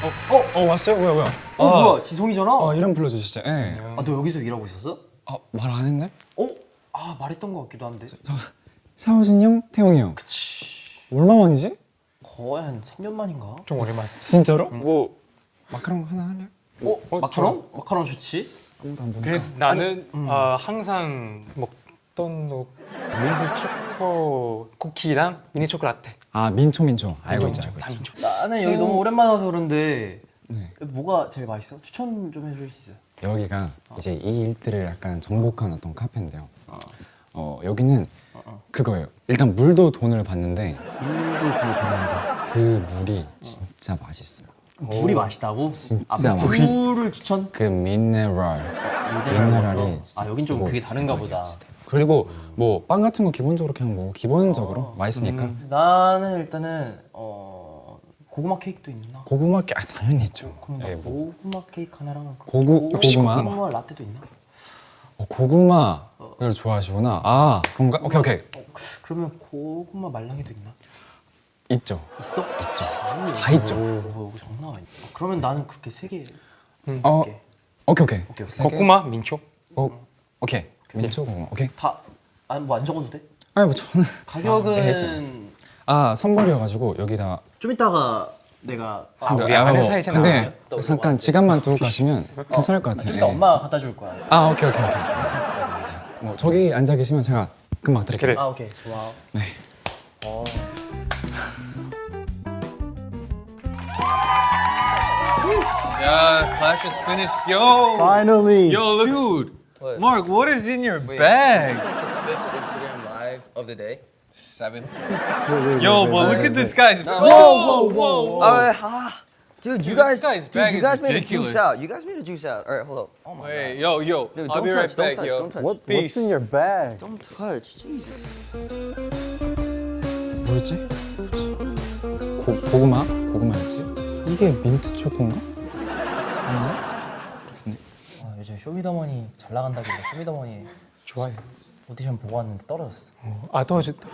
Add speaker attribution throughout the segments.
Speaker 1: 왔어요? 뭐야?
Speaker 2: 뭐야 지성이잖아.
Speaker 1: 이름 불러주시죠. 예.
Speaker 2: 아 너 여기서 일하고 있었어?
Speaker 1: 말 안 했네?
Speaker 2: 말했던 것 같기도 한데.
Speaker 1: 샤오진 형, 태용이 형.
Speaker 2: 그치.
Speaker 1: 얼마 만이지?
Speaker 2: 거의 한 3년 만인가?
Speaker 3: 좀 오랜만.
Speaker 1: 진짜로? 뭐 마카롱 하나 할래요?
Speaker 2: 마카롱? 마카롱 좋지.
Speaker 1: 아무도 안 보니까.
Speaker 3: 그래, 나는 항상 먹던 밀드 초코 쿠키랑 미니 초코 라떼.
Speaker 1: 민초. 알고 있죠.
Speaker 3: 다 민초.
Speaker 2: 나는 여기 너무 오랜만에 와서 그런데
Speaker 1: 네.
Speaker 2: 뭐가 제일 맛있어? 추천 좀 해줄 수 있어요?
Speaker 1: 여기가 이제 이 일들을 약간 정복한 어떤 카페인데요. 여기는 그거예요. 일단 물도 돈을 받는데
Speaker 2: 물도 그거 받는다.
Speaker 1: 그 물이 진짜 맛있어요.
Speaker 2: 물이 맛있다고?
Speaker 1: 진짜 맛있어.
Speaker 2: 물을 추천?
Speaker 1: 그 미네랄이
Speaker 2: 여긴 좀
Speaker 1: 뭐
Speaker 2: 그게 다른가 보다.
Speaker 1: 그리고 뭐 빵 같은 거 기본적으로 그냥 뭐 기본적으로 맛있으니까
Speaker 2: 나는 일단은 고구마 케이크도 있나?
Speaker 1: 고구마 당연히 있죠.
Speaker 2: 그럼 나
Speaker 1: 예, 뭐
Speaker 2: 고구마 케이크 하나랑
Speaker 1: 고구마
Speaker 2: 라떼도 있나?
Speaker 1: 고구마를 좋아하시구나. 그런가? 오케이.
Speaker 2: 그러면 고구마 말랑이도 있나?
Speaker 1: 있죠.
Speaker 2: 있어?
Speaker 1: 있죠.
Speaker 2: 아니,
Speaker 1: 다 있죠.
Speaker 2: 장난 아니야. 그러면 나는 그렇게 세 개.
Speaker 1: 오케이.
Speaker 3: 고구마 민초.
Speaker 1: 오케이. 민초 고구마. 오케이.
Speaker 2: 뭐 안 적어도 돼?
Speaker 1: 아니 뭐 저는
Speaker 2: 가격은
Speaker 1: 선물이어가지고 여기다
Speaker 2: 좀 이따가 내가
Speaker 3: 우리 아는 사이잖아.
Speaker 1: 근데 잠깐 지갑만 두고 가시면 괜찮을 것 같아요.
Speaker 2: 좀 이따 엄마가 갖다 줄 거야.
Speaker 1: 오케이. 뭐 저기 앉아 계시면 제가 금방 드릴게요.
Speaker 3: 그래.
Speaker 2: 오케이 좋아.
Speaker 1: 네.
Speaker 4: Yeah, Clash is finished. Yo!
Speaker 2: Finally.
Speaker 4: Yo, look. Dude! Mark, what is in your bag?
Speaker 5: Instagram live of the day.
Speaker 4: 7. Yo, but look at this guy's.
Speaker 5: Whoa. Dude, you
Speaker 4: Dude,
Speaker 5: guys,
Speaker 4: this guy's bag
Speaker 5: you
Speaker 4: is
Speaker 5: guys made a
Speaker 4: ridiculous.
Speaker 5: juice out. You guys made a juice out. All right, hold up. Oh my
Speaker 4: Wait, yo.
Speaker 5: Dude,
Speaker 4: I'll
Speaker 5: don't
Speaker 4: be right
Speaker 5: touch,
Speaker 4: back,
Speaker 5: don't touch,
Speaker 4: yo.
Speaker 5: don't touch.
Speaker 4: Peace.
Speaker 6: What's in your bag?
Speaker 5: Don't touch. Jesus.
Speaker 1: 뭐였지? 고구마였지? 이게 민트 초코인가?
Speaker 2: 요즘 쇼미더머니 잘 나간다길래 쇼미더머니
Speaker 3: 좋아해.
Speaker 2: 오디션 보고 왔는데 떨어졌어.
Speaker 3: 도와줬다.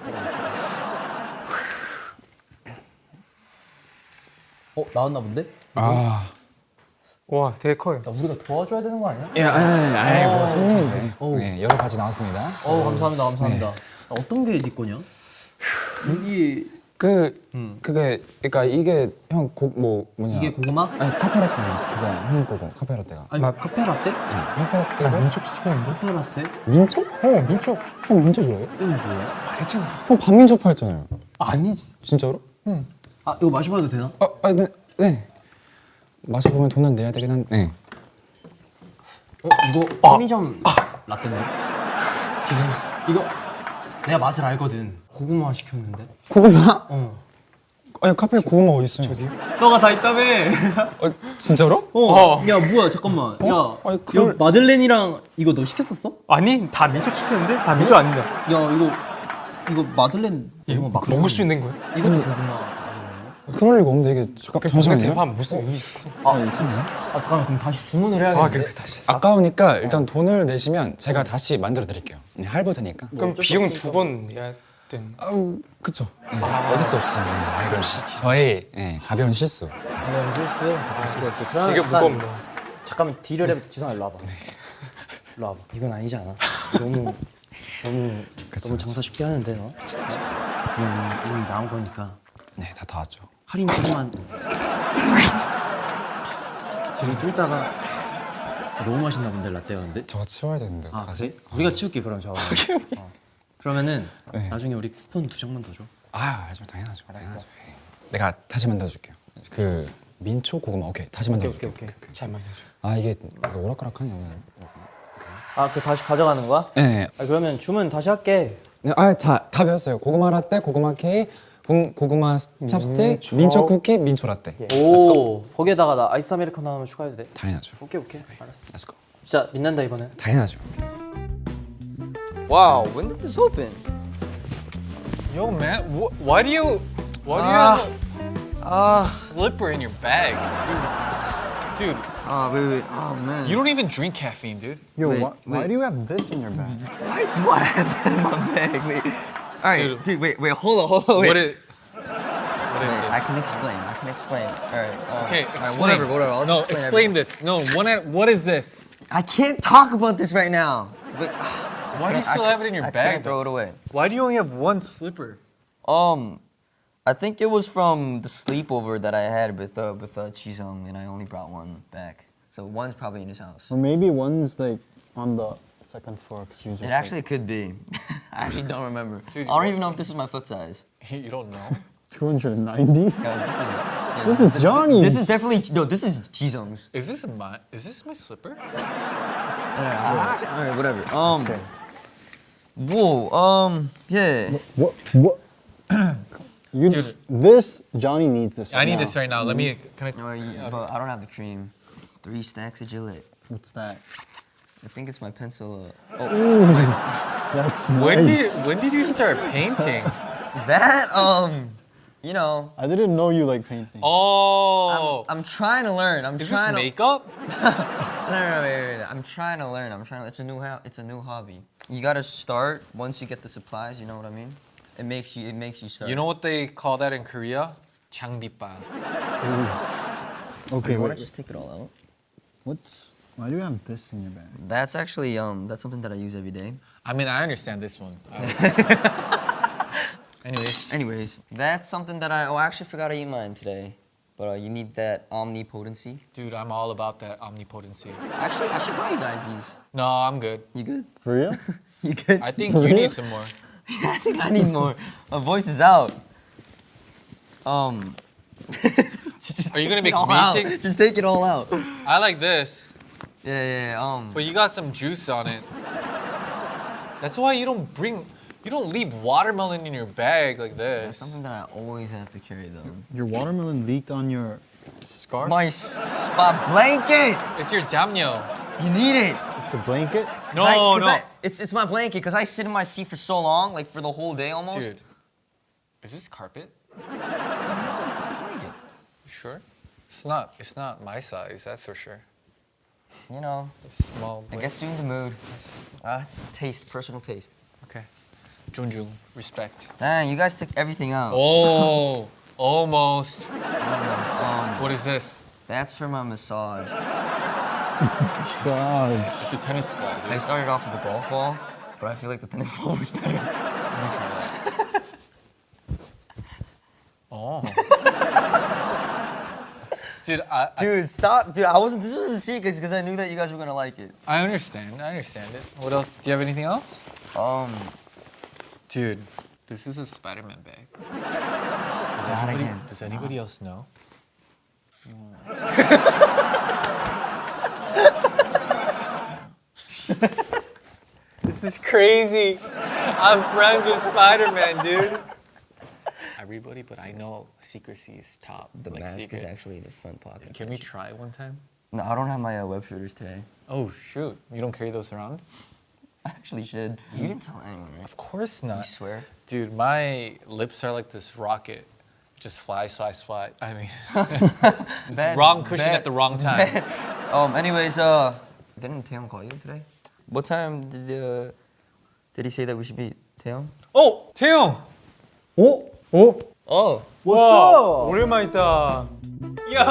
Speaker 2: 나왔나 본데?
Speaker 3: 와, 되게 커요.
Speaker 2: 야, 우리가 도와줘야 되는 거 아니야?
Speaker 1: 아니 뭐 손님인데. 네, 여러 가지 나왔습니다.
Speaker 2: 감사합니다. 어떤 게 네 거냐? 여기
Speaker 1: 그게 그러니까 이게 형 뭐냐?
Speaker 2: 이게 고구마?
Speaker 1: 아니 카페라떼 그거 형 거고 카페라떼가.
Speaker 2: 아니 카페라떼?
Speaker 1: 카페라떼가
Speaker 3: 민초 시켰는데?
Speaker 2: 카페라떼?
Speaker 1: 민초?
Speaker 3: 민초.
Speaker 1: 형 민초 좋아해?
Speaker 2: 이건 뭐야?
Speaker 3: 말했잖아.
Speaker 1: 형 반민초 팔잖아요.
Speaker 3: 아니지.
Speaker 1: 진짜로?
Speaker 2: 이거 마셔봐도 되나?
Speaker 1: 네. 마셔보면 돈은 내야 되긴 한데.
Speaker 2: 이거 편의점 라떼네. 이거 내가 맛을 알거든. 고구마 시켰는데.
Speaker 1: 고구마? 아니 카페에 고구마 어디 있어요? 저기?
Speaker 2: 너가 다 있다며.
Speaker 1: 진짜로?
Speaker 2: 야 뭐야 잠깐만. 야
Speaker 1: 아니, 그걸-
Speaker 2: 이거 마들렌이랑 이거 너 시켰었어?
Speaker 3: 아니, 다 민초 시켰는데? 다 민초 아닌데.
Speaker 2: 야 이거 마들렌 이거 막
Speaker 3: 먹을 수 있는 거야?
Speaker 2: 이것도 고구마.
Speaker 1: 그럴 리가 없는데 이게 잠시만요.
Speaker 3: 대판 무슨 의미 있어?
Speaker 1: 이상해요?
Speaker 2: 잠깐만 그럼 다시 주문을 해야겠는데.
Speaker 3: 그래, 다시.
Speaker 1: 아까우니까 일단 돈을 내시면 제가 다시 만들어 드릴게요. 네, 할부 되니까.
Speaker 3: 그럼 비용 2번 내야 되는.
Speaker 1: 그쵸. 네, 어쩔 수 없이. 저의 가벼운 실수.
Speaker 2: 가벼운 실수. 그러면
Speaker 3: 되게 무겁네.
Speaker 2: 잠깐만 딜을 해. 지성아 일로 와봐. 일로 와봐. 이건 아니지 않아? 너무 장사 쉽게 하는데 너. 이미 나온 거니까
Speaker 1: 네, 다 왔죠.
Speaker 2: 할인 조금만. 지금 좀 이따가 너무 맛있나 본데 라떼가 근데.
Speaker 1: 저거 치워야 되는데
Speaker 2: 그래?
Speaker 1: 다시.
Speaker 2: 우리가 치울게 그럼 저거. 그러면은
Speaker 1: 네.
Speaker 2: 나중에 우리 쿠폰 2장만 더 줘.
Speaker 1: 알죠, 당연하죠. 알았어. 내가 다시 만들어 줄게요. 그 민초 고구마 오케이 다시 만들어 줄게요.
Speaker 2: 오케이.
Speaker 3: 잘 만나줘.
Speaker 1: 이게 오락가락하네 오늘.
Speaker 2: 그 다시 가져가는 거야?
Speaker 1: 네.
Speaker 2: 그러면 주문 다시 할게.
Speaker 1: 네, 다 배웠어요. 고구마 라떼, 고구마 케이크, 고구마 찹스틱, 민초 쿠키, 민초 라떼.
Speaker 2: 오 거기에다가 나 아이스 아메리카노 하나 추가해도 돼?
Speaker 1: 당연하죠.
Speaker 2: 오케이 알았어.
Speaker 1: Let's go.
Speaker 2: 진짜 빛난다 이번엔.
Speaker 1: 당연하죠.
Speaker 5: Wow, when did this open?
Speaker 4: Yo, man, why do you have a slipper in your bag? Dude,
Speaker 5: Wait. Oh man.
Speaker 4: you don't even drink caffeine, dude.
Speaker 6: Yo,
Speaker 5: Wait,
Speaker 6: why do you have this in your bag?
Speaker 5: Why do I have that in my bag? Wait. All right, dude. Wait. Hold on. Wait.
Speaker 4: What is... What is
Speaker 5: Wait, I
Speaker 4: this?
Speaker 5: can explain. I can explain. All right.
Speaker 4: Okay,
Speaker 5: all right,
Speaker 4: explain.
Speaker 5: whatever. I'll
Speaker 4: No,
Speaker 5: just
Speaker 4: explain this. No, what is this?
Speaker 5: I can't talk about this right now. But,
Speaker 4: Why do you still have it in your
Speaker 5: I
Speaker 4: bag?
Speaker 5: can't throw it away.
Speaker 3: Why do you only have one slipper?
Speaker 5: I think it was from the sleepover that I had with Chisung, and I only brought one back. So one's probably in his house.
Speaker 6: Or maybe one's like on the second floor. 'Cause you just
Speaker 5: It actually could be. I actually don't remember.
Speaker 4: Dude,
Speaker 5: I don't even know if this is my foot size.
Speaker 4: You don't know?
Speaker 6: 290.
Speaker 5: Yeah,
Speaker 6: This is Johnny's.
Speaker 5: This is definitely no. This is Jisung's.
Speaker 4: Is this my slipper?
Speaker 5: All right, whatever.
Speaker 6: Okay.
Speaker 5: Whoa. Yeah.
Speaker 6: What? You.
Speaker 4: Dude.
Speaker 6: This Johnny needs this.
Speaker 4: I need this right now. Let me. Can I?
Speaker 5: No, but I don't have the cream. 3 stacks of Gillette.
Speaker 6: What's that?
Speaker 5: I think it's my pencil.
Speaker 6: That's
Speaker 4: When
Speaker 6: nice.
Speaker 4: did you start painting?
Speaker 5: That you know.
Speaker 6: I didn't know you like painting.
Speaker 4: Oh.
Speaker 5: I'm trying to learn. I'm
Speaker 4: Is this
Speaker 5: trying to.
Speaker 4: makeup?
Speaker 5: No, wait. I'm trying to learn. It's a new hobby. You gotta start once you get the supplies. You know what I mean? It makes you start.
Speaker 4: You know what they call that in Korea? 장비빵.
Speaker 6: Okay,
Speaker 5: You wanna
Speaker 6: wait.
Speaker 5: just take it all out?
Speaker 6: Why do you have this in your bag?
Speaker 5: That's actually that's something that I use every day.
Speaker 4: I mean, I understand this one.
Speaker 5: Anyways, that's something that I actually forgot to eat mine today. But you need that omnipotency.
Speaker 4: Dude, I'm all about that omnipotency.
Speaker 5: Actually, I should buy you guys these.
Speaker 4: No, I'm good.
Speaker 5: You good?
Speaker 6: For real?
Speaker 5: You good?
Speaker 4: I think you need some more.
Speaker 5: I think I need more. My voice is out.
Speaker 4: Are you gonna make
Speaker 5: all
Speaker 4: me
Speaker 5: out.
Speaker 4: take?
Speaker 5: Just take it all out.
Speaker 4: I like this,
Speaker 5: Yeah.
Speaker 4: but you got some juice on it. That's why you don't leave watermelon in your bag like
Speaker 5: That's
Speaker 4: this.
Speaker 5: something that I always have to carry though.
Speaker 6: Your watermelon leaked on your scarf?
Speaker 5: My blanket.
Speaker 4: It's your jamnyo.
Speaker 5: You need it.
Speaker 6: It's a blanket?
Speaker 4: No.
Speaker 5: It's my blanket because I sit in my seat for so long, like for the whole day almost.
Speaker 4: Dude, is this carpet?
Speaker 5: It's a blanket.
Speaker 4: You sure? It's not my size, that's for sure.
Speaker 5: You know,
Speaker 4: It's small.
Speaker 5: it gets you in the mood. It's taste, personal taste.
Speaker 4: Okay. Junjung, respect.
Speaker 5: Dang, you guys took everything out.
Speaker 4: Oh, almost.
Speaker 5: Um,
Speaker 4: What is this?
Speaker 5: that's for my massage.
Speaker 6: God.
Speaker 4: It's a tennis ball, dude.
Speaker 5: I started off with a golf ball, but I feel like the tennis ball was better.
Speaker 4: Let me try that. Oh. Dude,
Speaker 5: Dude, stop. Dude, this was a secret because I knew that you guys were gonna like it.
Speaker 4: I understand it. What else? Do you have anything else? Dude, this is a Spider-Man bag. Does anybody else know? This is crazy. I'm friends with Spider-Man, dude. Everybody, but I know secrecy is top.
Speaker 5: The
Speaker 4: like
Speaker 5: mask
Speaker 4: secret.
Speaker 5: is actually in the front pocket.
Speaker 4: Can we try one time?
Speaker 5: No, I don't have my web shooters today.
Speaker 4: Oh shoot! You don't carry those around?
Speaker 5: I actually should. You didn't tell anyone, right?
Speaker 4: Of course
Speaker 5: You
Speaker 4: not.
Speaker 5: swear?
Speaker 4: Dude, my lips are like this rocket. Just fly. I mean,
Speaker 5: Bad-
Speaker 4: wrong cushion
Speaker 5: bad-
Speaker 4: at the wrong time.
Speaker 5: Anyways, didn't Taeyong call you today? What time did he say that we should meet? Taeyong?
Speaker 4: Oh, 태용!
Speaker 5: Oh.
Speaker 3: 오랜만이다.
Speaker 4: Yo!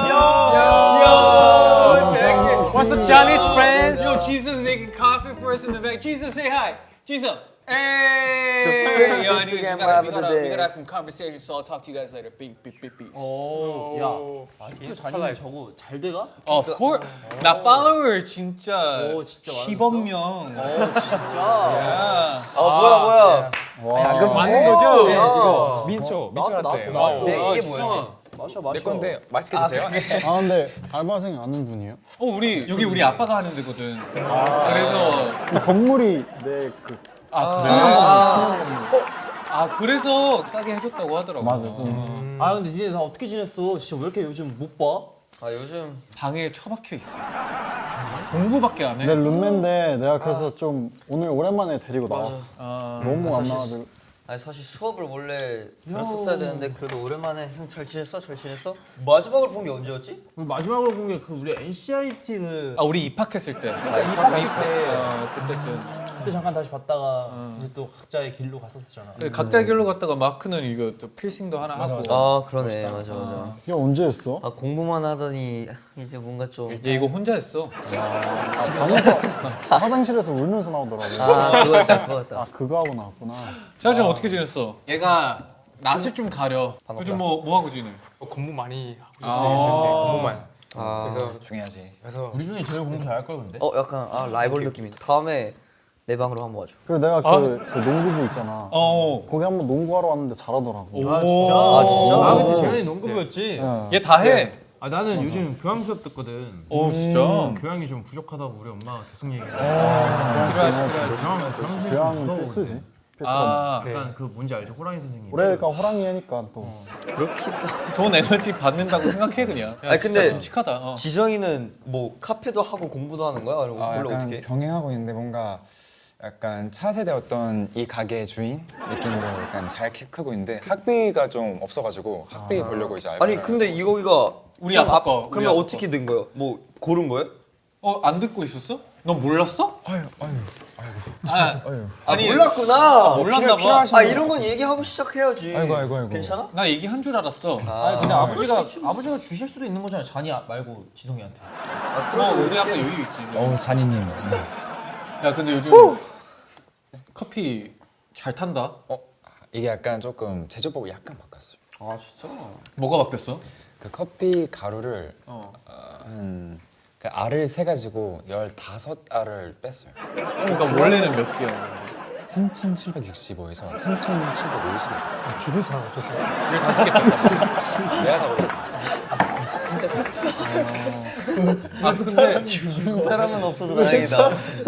Speaker 4: Check it. What's up, Johnny's friends? Yo, Jesus making coffee for us in the back. Jesus, say hi. Jesus. Hey! Yo, anyways, we gotta have some conversation, so I'll talk to you guys later. Beep.
Speaker 2: 아직도 자기는 저거 잘 돼가?
Speaker 4: Of course. 나 follower 진짜
Speaker 2: 진짜 많았어?
Speaker 4: 10억
Speaker 2: 진짜.
Speaker 5: 뭐야?
Speaker 3: 그래서
Speaker 4: 맞는 거죠?
Speaker 3: 이거 민초.
Speaker 2: 나왔어.
Speaker 5: 이게 뭐야?
Speaker 2: 마셔.
Speaker 3: 맛있게 드세요.
Speaker 6: 아, 근데 알바생 아는 분이에요?
Speaker 4: 우리 여기 우리 아빠가 하는 데거든. 그래서
Speaker 6: 이 건물이 내그
Speaker 4: 그래서 싸게 해줬다고 하더라고.
Speaker 6: 맞아. 좀.
Speaker 2: 근데 니네 다 어떻게 지냈어? 진짜 왜 이렇게 요즘 못 봐?
Speaker 5: 요즘
Speaker 4: 방에 처박혀 있어. 공부밖에 안 해.
Speaker 6: 내 룸메인데 내가 그래서 좀 오늘 오랜만에 데리고 나왔어. 너무 안 나와가지고.
Speaker 5: 사실 수업을 원래 들었었어야 되는데 그래도 오랜만에 잘 지냈어? 마지막으로 본 게 언제였지?
Speaker 2: 마지막으로 본 게 그 우리 NCIT를
Speaker 4: 우리 입학했을 때.
Speaker 2: 입학식 때
Speaker 4: 그때쯤.
Speaker 2: 그때 잠깐 다시 봤다가 이제 또 각자의 길로 갔었잖아.
Speaker 4: 각자 길로 갔다가 마크는 이거 또 필싱도 하나 하고.
Speaker 5: 아 그러네 맞아.
Speaker 6: 야 언제 했어?
Speaker 5: 아 공부만 하더니 이제 뭔가 좀.
Speaker 4: 얘 이거 혼자 했어.
Speaker 6: 방에서 화장실에서 울면서 나오더라고.
Speaker 5: 아 그거였다.
Speaker 6: 아 그거 하고 나왔구나.
Speaker 4: 샤오짱 어떻게 지냈어? 얘가 낯을 좀 가려. 요즘 뭐 하고 지내?
Speaker 3: 공부 많이 하고 있어요. 공부만.
Speaker 5: 그래서
Speaker 1: 중요하지.
Speaker 3: 그래서
Speaker 2: 우리 중에 제일 공부 잘할 걸 근데.
Speaker 5: 약간 라이벌 느낌이다. 다음에 내 방으로 한번 와줘.
Speaker 6: 그리고 내가 그 농구부 있잖아. 거기 한번 농구하러 왔는데 잘하더라고.
Speaker 2: 아 진짜?
Speaker 5: 아,
Speaker 2: 그치 재현이 농구부였지.
Speaker 4: 얘 다 해.
Speaker 2: 아 나는 요즘 교양 수업 듣거든.
Speaker 4: 진짜.
Speaker 2: 교양이 좀 부족하다고 우리 엄마가 계속 얘기해.
Speaker 6: 교양은 필수지. 필수가
Speaker 2: 약간 그 뭔지 알죠? 호랑이 선생님.
Speaker 6: 올해가 호랑이 해니까 또.
Speaker 4: 좋은 에너지 받는다고 생각해 그냥. 야,
Speaker 5: 아니,
Speaker 4: 진짜
Speaker 5: 근데-
Speaker 4: 듬직하다.
Speaker 5: 지성이는 뭐 카페도 하고 공부도 하는 거야? 아니면 원래
Speaker 1: 약간
Speaker 5: 어떻게?
Speaker 1: 병행하고 있는데 뭔가 약간 차세대 어떤 이 가게의 주인 느낌으로 약간 잘 크고 있는데 학비가 좀 없어가지고 학비 보려고 이제 알바를
Speaker 5: 아니 근데 이거기가
Speaker 4: 우리 아빠 거, 우리
Speaker 5: 그러면
Speaker 4: 아빠
Speaker 5: 어떻게 된 거예요? 뭐 고른 거예요?
Speaker 4: 안 듣고 있었어? 넌 몰랐어?
Speaker 1: 아유
Speaker 4: 아니
Speaker 5: 몰랐구나.
Speaker 4: 몰랐나 봐.
Speaker 5: 아 이런 건 얘기하고 시작해야지.
Speaker 1: 아이고.
Speaker 5: 괜찮아?
Speaker 4: 나 얘기한 줄 알았어.
Speaker 2: 아니 근데 아버지가 주실 수도 있는 거잖아. 잔이 말고 지성이한테.
Speaker 4: 우리 아빠 여유 있지.
Speaker 1: 잔이님.
Speaker 4: 야 근데 요즘 커피 잘 탄다.
Speaker 1: 이게 약간 조금 제조법을 약간 바꿨어요.
Speaker 5: 아 진짜?
Speaker 4: 뭐가 바뀌었어?
Speaker 1: 그 커피 가루를 그 알을 세 가지고 15알을 뺐어요.
Speaker 4: 그러니까 원래는 몇 개야?
Speaker 1: 3,765에서 3,750에 뺐어요.
Speaker 3: 죽을 사람 없었어.
Speaker 4: 왜 5개 뺐다?
Speaker 1: 내가 다 먹었어.
Speaker 4: 근데
Speaker 5: 사람은 없어서 다행이다.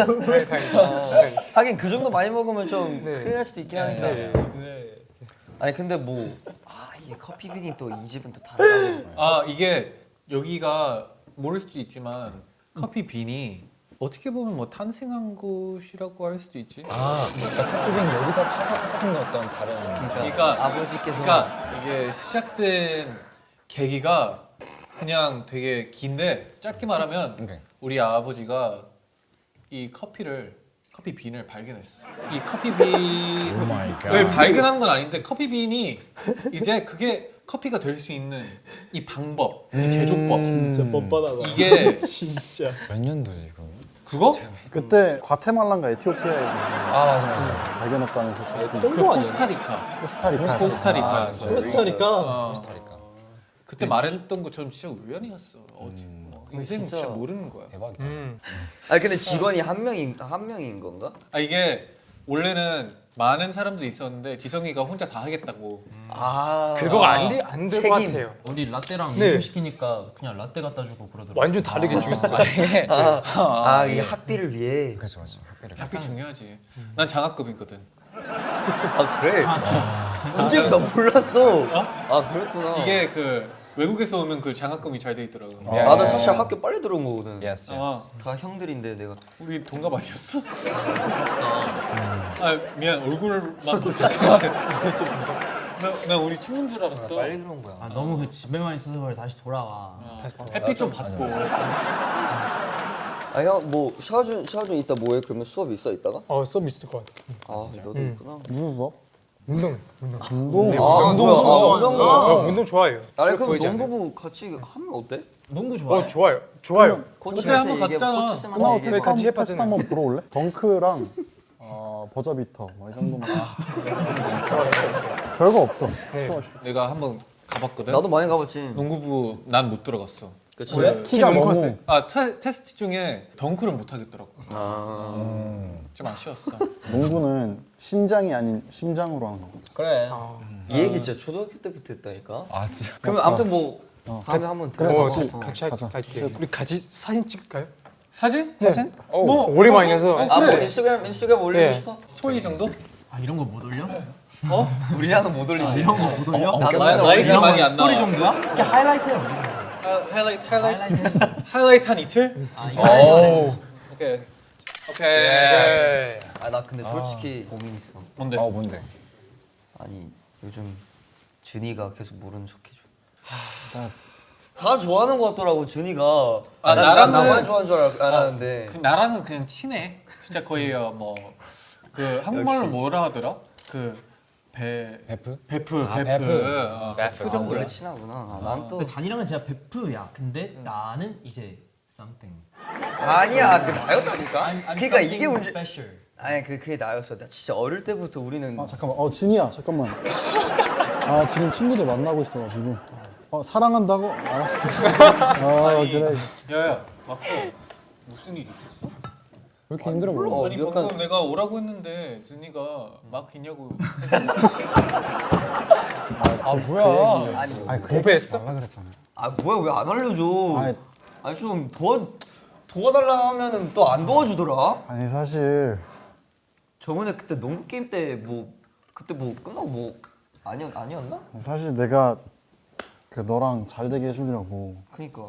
Speaker 5: 하긴 그 정도 많이 먹으면 좀 큰일 날 수도 있긴 하니까. 아니 근데 이게 커피 빈이 또 이 집은 또 다르다.
Speaker 4: 이게 여기가 모를 수도 있지만 커피 빈이 어떻게 보면 뭐 탄생한 곳이라고 할 수도 있지.
Speaker 1: 그러니까 커피빈 여기서 파생된 어떤 다른
Speaker 4: 그러니까
Speaker 5: 아버지께서
Speaker 4: 이게 시작된 계기가 그냥 되게 긴데 짧게 말하면
Speaker 1: 오케이.
Speaker 4: 우리 아버지가 이 커피 빈을 발견했어. 이 커피 빈을 발견한 건 아닌데 커피 빈이 이제 그게 커피가 될 수 있는 이 방법, 이 제조법.
Speaker 2: 진짜 뻔뻔하다.
Speaker 4: 이게
Speaker 2: 진짜.
Speaker 1: 몇 년도에 이거?
Speaker 4: 그거?
Speaker 6: 그때 과테말라인가 에티오피아에
Speaker 1: 맞아.
Speaker 6: 발견했다는 소식.
Speaker 4: 그 코스타리카.
Speaker 6: 코스타리카.
Speaker 4: 코스타리카였어.
Speaker 2: 코스타리카.
Speaker 1: 코스타리카.
Speaker 4: 그때 말했던 것처럼 진짜 우연이었어. 인생은 진짜
Speaker 5: 진짜.
Speaker 4: 모르는 거야.
Speaker 1: 대박이다.
Speaker 5: 아니 근데 직원이 한 명인 건가?
Speaker 4: 이게 원래는 많은 사람들이 있었는데 지성이가 혼자 다 하겠다고.
Speaker 3: 그거가 안 될 것 같아요.
Speaker 2: 우리 라떼랑
Speaker 3: 네.
Speaker 2: 민초 시키니까 그냥 라떼 갖다 주고 그러더라고.
Speaker 3: 완전 다르게 죽였어.
Speaker 5: 이게 학비를 위해.
Speaker 1: 그렇죠, 맞아. 학비를.
Speaker 4: 학비 중요하지. 난 장학금이거든.
Speaker 5: 아 그래? 언제 나 몰랐어. 아 그랬구나.
Speaker 4: 이게 그 외국에서 오면 그 장학금이 잘 돼 있더라고.
Speaker 5: 나도 사실 학교 빨리 들어온 거거든.
Speaker 1: Yes,
Speaker 4: 아,
Speaker 1: yes.
Speaker 5: 다 형들인데 내가.
Speaker 4: 우리 동갑 아니었어? 미안 얼굴만 보니까 나 우리 친구인 줄 알았어.
Speaker 5: 빨리 들어온 거야.
Speaker 2: 너무 그 집에만 있어서 그래 다시 돌아와.
Speaker 4: 햇빛 좀 받고.
Speaker 5: 형 샤워준 이따 뭐해? 그러면 수업 있어 이따가?
Speaker 3: 수업 있을 것 같아.
Speaker 5: 너도 있구나.
Speaker 6: 무슨 수업?
Speaker 3: 운동.
Speaker 5: 운동.
Speaker 3: 운동 좋아해요.
Speaker 5: 아니 그럼
Speaker 3: 보이지 않아요?
Speaker 5: 농구부 같이 하면 어때?
Speaker 2: 농구 좋아해?
Speaker 3: 좋아요.
Speaker 4: 그때 한번 갔잖아.
Speaker 6: 끝나고 테스트,
Speaker 3: 같이
Speaker 6: 테스트
Speaker 3: 해봤잖아요.
Speaker 6: 한번 보러 올래? 덩크랑 버저비터 뭐 이 정도만. 별거 없어. 수업.
Speaker 4: 내가 한번 가봤거든.
Speaker 5: 나도 많이 가봤지.
Speaker 4: 농구부 난 못 들어갔어.
Speaker 5: 그치?
Speaker 6: 키가 너무
Speaker 4: 테스트 중에 덩크를 못 하겠더라고. 좀 아쉬웠어.
Speaker 6: 농구는 신장이 아닌 심장으로 하는 거거든.
Speaker 2: 그래.
Speaker 5: 이 얘기 진짜 초등학교 때부터 했다니까.
Speaker 1: 진짜.
Speaker 5: 그러면 아무튼 뭐 다음에 한번 들어가서
Speaker 3: 같이 갈게요. 우리 같이 사진 찍을까요?
Speaker 4: 사진?
Speaker 3: 뭐 오랜만이라서.
Speaker 5: 뭐 인스타그램 올리고
Speaker 3: 네.
Speaker 5: 싶어?
Speaker 4: 스토리 정도?
Speaker 2: 이런 거 못 올려?
Speaker 5: 우리랑은 못 올린다.
Speaker 2: 이런 거 못 올려?
Speaker 4: 나이가 많이 안 나와.
Speaker 2: 스토리 정도야? 그게 하이라이트야.
Speaker 4: 하이라이트 한 이틀? 오케이.
Speaker 5: 나 근데 솔직히 고민 있어.
Speaker 4: 뭔데?
Speaker 1: 뭔데?
Speaker 5: 아니 요즘 준이가 계속 모르는 척 해줘. 다 좋아하는 것 같더라고 준이가.
Speaker 4: 나랑은-
Speaker 5: 나만 좋아하는 줄 알았는데.
Speaker 4: 나랑은 그냥 친해. 진짜 거의 뭐 그 한국말로 뭐라 하더라? 그
Speaker 1: 베프?
Speaker 4: 베프.
Speaker 1: 베프.
Speaker 4: 베프
Speaker 5: 아,
Speaker 4: 정도야.
Speaker 5: 원래 친하구나. 아, 난 또.
Speaker 2: 근데 잔이랑은 진짜 베프야. 근데 나는 이제 something.
Speaker 5: 아니야, 그 나였다니까. 그러니까 이게 문제.
Speaker 2: special.
Speaker 5: 아니 그게 나였어. 나 진짜 어릴 때부터 우리는
Speaker 6: 아 잠깐만. 진이야 잠깐만. 아 지금 친구들 만나고 있어가지고. 사랑한다고? 알았어. 그래.
Speaker 4: 야야, 마코 무슨 일 있었어?
Speaker 6: 왜 이렇게 힘들어 보여?
Speaker 4: 아니 방금 내가 오라고 했는데 준이가 막 있냐고.
Speaker 1: 아 뭐야?
Speaker 5: 아니
Speaker 6: 아니 그 얘기 말라 그랬잖아.
Speaker 5: 아 뭐야 왜 안 알려줘?
Speaker 6: 아니.
Speaker 5: 아니 좀 도와달라 하면은 또 안 도와주더라.
Speaker 6: 아니 사실
Speaker 5: 저번에 그때 농구 게임 때 뭐 그때 뭐 끝나고 뭐 아니었나?
Speaker 6: 사실 내가 그 너랑 잘 되게 해주려고
Speaker 5: 그니까.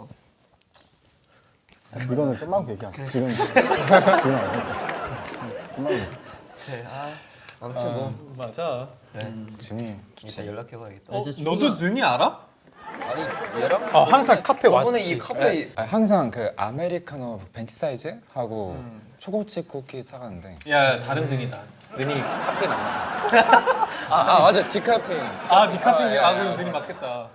Speaker 6: 이거는 끝나고 얘기하자. 지금 안 돼. 끝나고.
Speaker 5: 그래. 아무튼 뭐
Speaker 4: 맞아.
Speaker 5: 그래.
Speaker 1: 진이
Speaker 5: 이따
Speaker 1: 좋지.
Speaker 5: 연락해봐야겠다.
Speaker 4: 너도 준이 알아?
Speaker 5: 아니 얘랑
Speaker 3: 아 항상 카페
Speaker 5: 저번에
Speaker 3: 왔지.
Speaker 5: 이 카페
Speaker 1: 항상 그 아메리카노 벤티 사이즈 하고 초코칩 쿠키 사가는데.
Speaker 4: 야 다른 준이다. 준이 카페 나왔어.
Speaker 1: 아 맞아 디카페인.
Speaker 4: 네 카페 그럼 준이 맞겠다.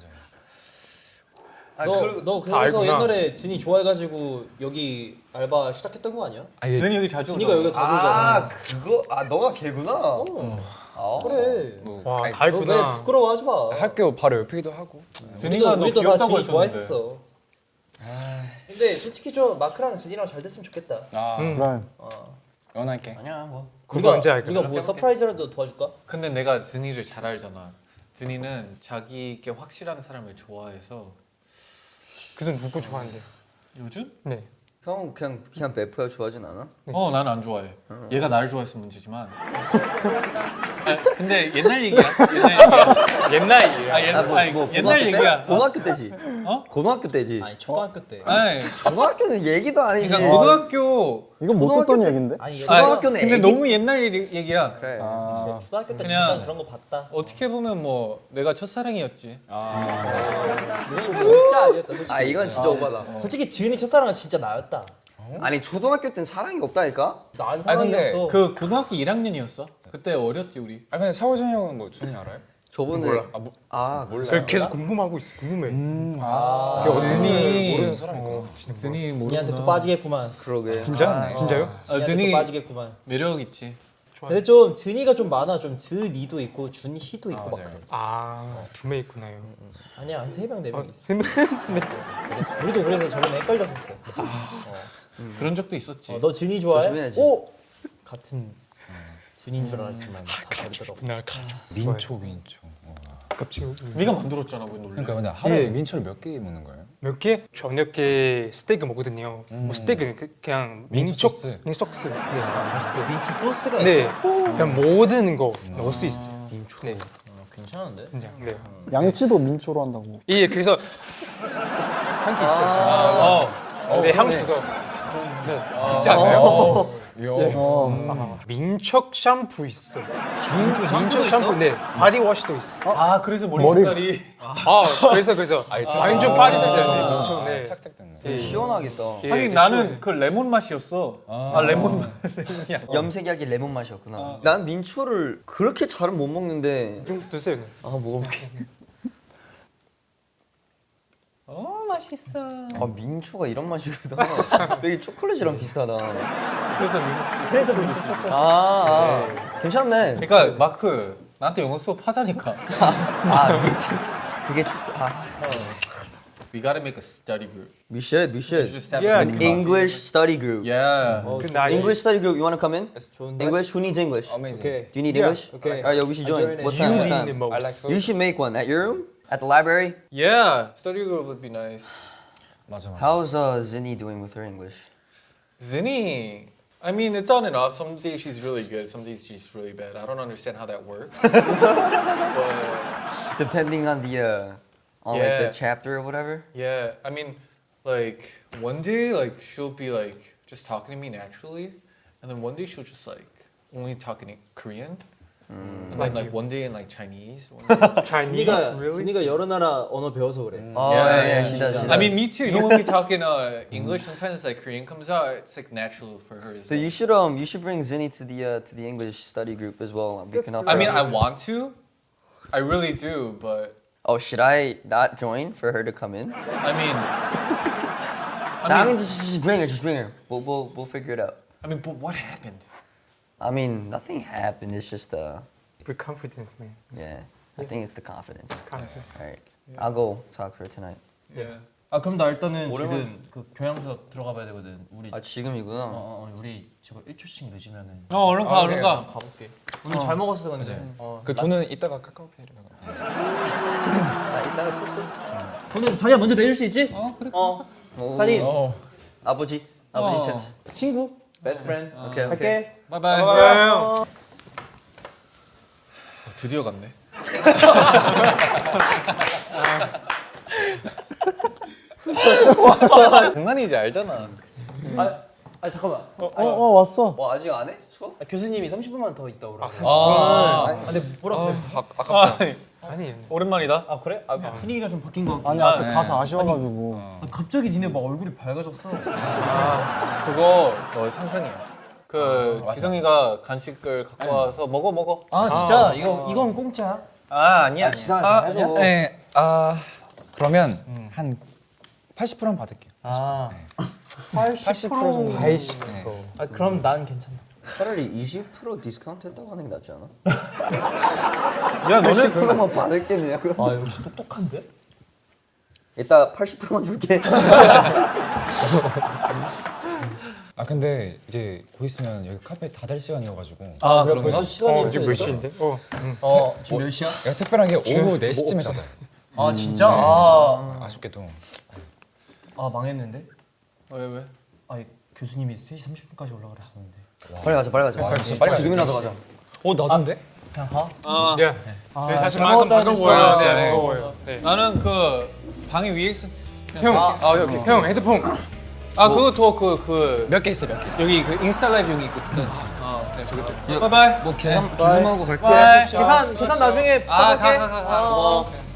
Speaker 2: 너
Speaker 3: 다
Speaker 2: 그래서
Speaker 3: 알구나.
Speaker 2: 옛날에 진이 좋아해가지고 여기 알바 시작했던 거 아니야?
Speaker 4: 준이 여기 자주
Speaker 2: 진이가 여기가 자주 오잖아.
Speaker 5: 그거 너가 걔구나. 아,
Speaker 2: 그래.
Speaker 1: 뭐
Speaker 3: 와,
Speaker 1: 아니,
Speaker 3: 다
Speaker 2: 너 왜
Speaker 3: 알구나.
Speaker 2: 부끄러워하지 마.
Speaker 1: 학교 바로 옆이기도 하고.
Speaker 4: 준이가 너
Speaker 2: 우리도 다
Speaker 4: 귀엽다고
Speaker 2: 진이
Speaker 4: 했었는데.
Speaker 2: 좋아했었어. 근데 솔직히 좀 마크랑 진이랑 잘 됐으면 좋겠다.
Speaker 1: 아
Speaker 6: 그래.
Speaker 1: 연할게.
Speaker 5: 아니야 뭐.
Speaker 3: 그거 언제 할까?
Speaker 2: 우리가 뭐 서프라이즈라도 도와줄까?
Speaker 4: 근데 내가 준이를 잘 알잖아. 준이는 자기께 확실한 사람을 좋아해서.
Speaker 3: 그전 누구 좋아하는데?
Speaker 4: 요즘?
Speaker 3: 네.
Speaker 5: 형 그냥 베프야 좋아하진 않아?
Speaker 4: 나는 안 좋아해. 얘가 나를 좋아했으면 문제지만. 근데 옛날 얘기야.
Speaker 3: 옛날 얘기야.
Speaker 4: 옛날 얘기야.
Speaker 5: 고등학교 때지.
Speaker 4: 어?
Speaker 5: 고등학교 때지.
Speaker 2: 아니 초등학교 때.
Speaker 4: 아니,
Speaker 5: 고등학교는 얘기도 아니지.
Speaker 4: 그러니까 고등학교.
Speaker 6: 이건 못 듣던 얘긴데?
Speaker 2: 아니
Speaker 5: 고등학교는
Speaker 4: 근데
Speaker 5: 애기-
Speaker 4: 너무 옛날 얘기야.
Speaker 5: 그래.
Speaker 2: 초등학교 때
Speaker 4: 그냥-
Speaker 2: 잠깐 그런 거 봤다.
Speaker 4: 어떻게 보면 뭐 내가 첫사랑이었지.
Speaker 2: 이건 진짜 아니었다 솔직히.
Speaker 5: 아 이건 진짜 오바다.
Speaker 2: 솔직히 지은이 첫사랑은 진짜 나였다.
Speaker 5: 아니 초등학교 땐 사랑이 없다니까?
Speaker 2: 난
Speaker 1: 아니, 근데
Speaker 2: 사랑이었어.
Speaker 4: 그 고등학교 1학년이었어. 그때 어렸지 우리.
Speaker 1: 아 근데 샤오준 형은 뭐 준이 알아요?
Speaker 5: 저번에
Speaker 3: 몰라.
Speaker 1: 몰라.
Speaker 3: 그래서 계속 궁금하고 있어. 궁금해.
Speaker 4: 준이
Speaker 1: 모르는 사람이구나.
Speaker 4: 준이
Speaker 2: 진이한테 또 빠지겠구만.
Speaker 5: 그러게.
Speaker 3: 진짜? 진짜요?
Speaker 2: 진이한테
Speaker 4: 준이-
Speaker 2: 또 빠지겠구만.
Speaker 4: 매력 있지.
Speaker 2: 근데 좀 진이가 좀 많아. 좀 즈니도 있고 준희도 있고 막
Speaker 1: 맞아요.
Speaker 2: 그래.
Speaker 3: 두 명 있구나요.
Speaker 2: 아니야 한 3명 4명 있어.
Speaker 3: 세 명.
Speaker 2: 우리도 그래서 저번에 헷갈렸었어.
Speaker 4: 그런 적도 있었지.
Speaker 2: 너 진이 좋아해?
Speaker 5: 조심해야지.
Speaker 2: 오! 같은 진인 줄 알았지만 다 다르더라고.
Speaker 3: 나
Speaker 1: 민초.
Speaker 3: 갑자기
Speaker 4: 네가 만들었잖아 왜 놀래?
Speaker 1: 그러니까 근데 하루에
Speaker 3: 예.
Speaker 1: 민초를 몇 개 먹는 거예요?
Speaker 3: 몇 개? 저녁에 스테이크 먹거든요. 뭐 스테이크는 그냥
Speaker 1: 민초
Speaker 3: 민초
Speaker 1: 소스.
Speaker 3: 소스. 네.
Speaker 2: 민트 소스가
Speaker 3: 네.
Speaker 2: 있어.
Speaker 3: 그냥 모든 거 넣을 수 있어요. 민초. 네.
Speaker 2: 괜찮은데?
Speaker 3: 진짜. 네.
Speaker 6: 양치도 민초로 한다고.
Speaker 3: 예, 그래서 향기 있죠. 네, 향수도.
Speaker 1: 있지 않나요?
Speaker 3: 민초 샴푸 있어.
Speaker 2: 민초 샴푸도 있어?
Speaker 3: 네. 바디워시도 있어.
Speaker 4: 아 그래서 머리
Speaker 6: 머리-
Speaker 4: 색깔이.
Speaker 3: 그래서 완전 빠졌어요. 민초. 네.
Speaker 1: 착색됐네.
Speaker 3: 예.
Speaker 5: 시원하겠다.
Speaker 3: 예,
Speaker 4: 아니
Speaker 3: 이제
Speaker 4: 나는 그 레몬 맛이었어. 레몬 맛.
Speaker 5: 염색약이 레몬 맛이었구나. 난 민초를 그렇게 잘은 못 먹는데.
Speaker 3: 좀 드세요. 네.
Speaker 5: 먹어볼게.
Speaker 4: 맛있어.
Speaker 5: 아 민초가 이런 맛이구나. 되게 초콜릿이랑 비슷하다.
Speaker 4: 그래서
Speaker 5: 괜찮네.
Speaker 4: 그러니까 마크 나한테 영어 수업 하자니까.
Speaker 5: 그게
Speaker 4: We gotta make a study group.
Speaker 5: We should.
Speaker 4: We just have
Speaker 3: Yeah.
Speaker 4: a good
Speaker 5: English study group.
Speaker 4: Yeah.
Speaker 3: 그 나이
Speaker 5: English study group. You wanna come in?
Speaker 2: 좋은데?
Speaker 5: English. Who needs English?
Speaker 1: Amazing.
Speaker 2: 오케이.
Speaker 5: Do you need
Speaker 3: Yeah.
Speaker 5: English?
Speaker 2: Okay.
Speaker 5: Alright, yo, we should
Speaker 2: I
Speaker 5: join.
Speaker 2: join it.
Speaker 5: What
Speaker 3: You
Speaker 5: time? What
Speaker 3: need
Speaker 5: time?
Speaker 3: the most.
Speaker 1: I like food.
Speaker 5: You should make one at your room, at the library.
Speaker 4: Yeah. Study group would be nice.
Speaker 1: 맞아.
Speaker 5: How's Zinni doing with her English?
Speaker 4: Zinni. I mean, it's on and off. Some days she's really good. Some days she's really bad. I don't understand how that works. But
Speaker 5: Depending on the like
Speaker 4: Yeah.
Speaker 5: the chapter or whatever.
Speaker 4: yeah, I mean, like one day, like she'll be like just talking to me naturally, and then one day she'll just like only talking in Korean, Like one day in like Chinese. One day.
Speaker 3: Chinese, really?
Speaker 2: 준이가 여러 나라 언어 배워서 그래.
Speaker 5: Oh yeah, she does. She does.
Speaker 4: I mean, me too. You know, when we talk in English, sometimes like Korean comes out. It's like natural for her as
Speaker 5: So
Speaker 4: well.
Speaker 5: you should bring Zinni to the English study group as well. We can help
Speaker 4: I
Speaker 5: her
Speaker 4: mean,
Speaker 5: out.
Speaker 4: I want to. I really do, but
Speaker 5: Oh, should I not join for her to come in?
Speaker 4: I mean,
Speaker 5: I mean, just bring her. Just bring her. We'll figure it out.
Speaker 4: but what happened?
Speaker 5: I mean, nothing happened. It's just
Speaker 3: For confidence, man.
Speaker 5: yeah. I think it's the confidence.
Speaker 3: Confidence.
Speaker 5: All right, I'll go talk to her tonight.
Speaker 4: Yeah.
Speaker 2: 아 그럼 나 일단은
Speaker 5: 오랜만-
Speaker 2: 지금 그 교양 수업 들어가 봐야 되거든. 우리
Speaker 5: 아 지금이구나.
Speaker 2: 우리 저거 1초씩 늦으면은
Speaker 4: 얼른 가, 얼른 가.
Speaker 2: 가볼게. 오늘 잘 먹었어 근데.
Speaker 1: 그 돈은 이따가 카카오페이로
Speaker 5: 나 이따가 토스.
Speaker 2: 돈은 자기가 먼저 내줄 수 있지?
Speaker 4: 그래.
Speaker 2: 찬이
Speaker 5: 아버지 찬스.
Speaker 2: 친구, best friend.
Speaker 5: 오케이.
Speaker 2: 할게.
Speaker 4: 바이바이. 드디어 갔네.
Speaker 1: 장난이지 알잖아.
Speaker 2: 아 잠깐만.
Speaker 6: 왔어.
Speaker 5: 뭐 아직 안 해? 수업?
Speaker 2: 교수님이 30분만 더 있다 오라고. 근데 뭐라 그랬어?
Speaker 3: 아니,
Speaker 4: 오랜만이다.
Speaker 2: 아 그래? 아 분위기가 좀 바뀐 것 같고.
Speaker 6: 아니 아까 가사 아쉬워가지고.
Speaker 2: 갑자기 니네 막 얼굴이 밝아졌어.
Speaker 4: 그거 너 상상이야. 그 지성이가 간식을 갖고 와서 먹어.
Speaker 2: 아 진짜 이건 공짜야?
Speaker 4: 아 아니야.
Speaker 5: 해줘.
Speaker 1: 네. 그러면 한 80%는 받을게요.
Speaker 2: 아
Speaker 1: 80% 정도.
Speaker 3: 80%.
Speaker 2: 아 그럼 난 괜찮아.
Speaker 5: 차라리 20% 디스카운트 했다고 하는 게 낫지 않아?
Speaker 4: 야 너는
Speaker 5: 80%만 받을게냐고.
Speaker 2: 아 역시 똑똑한데?
Speaker 5: 이따 80%만 줄게.
Speaker 1: 근데 이제 곧 있으면 여기 카페 닫을 시간이어가지고.
Speaker 4: 아
Speaker 2: 벌써
Speaker 4: 그런가?
Speaker 2: 시간이
Speaker 3: 지금 몇 시인데?
Speaker 2: 지금 몇 시야?
Speaker 1: 내가 특별한 게 오후 4시쯤에 닫아요.
Speaker 2: 아 진짜?
Speaker 1: 아쉽게도.
Speaker 2: 아 망했는데?
Speaker 4: 왜?
Speaker 2: 아 교수님이 3시 30분까지 올라 그랬었는데.
Speaker 5: 빨리 가자.
Speaker 1: 진짜 빨리 가자.
Speaker 5: 지금이라도 가자.
Speaker 1: 나던데?
Speaker 2: 그냥 가?
Speaker 3: 네. 네, 사실
Speaker 2: 잘
Speaker 3: 마음
Speaker 2: 먹었다는
Speaker 3: 바꿔 보여요.
Speaker 2: 스타일.
Speaker 3: 네, 보여요. 네.
Speaker 4: 나는 그 방이 위에 있어.
Speaker 3: 형 헤드폰.
Speaker 4: 그것도 그
Speaker 1: 몇 개 있어, 몇 개 있어.
Speaker 4: 여기 그 인스타 라이브 여기 있거든. 네, 저기. 바이바이.
Speaker 5: 뭐 계산하고 갈게.
Speaker 4: 바이.
Speaker 2: 계산 나중에
Speaker 4: 가. 고마워.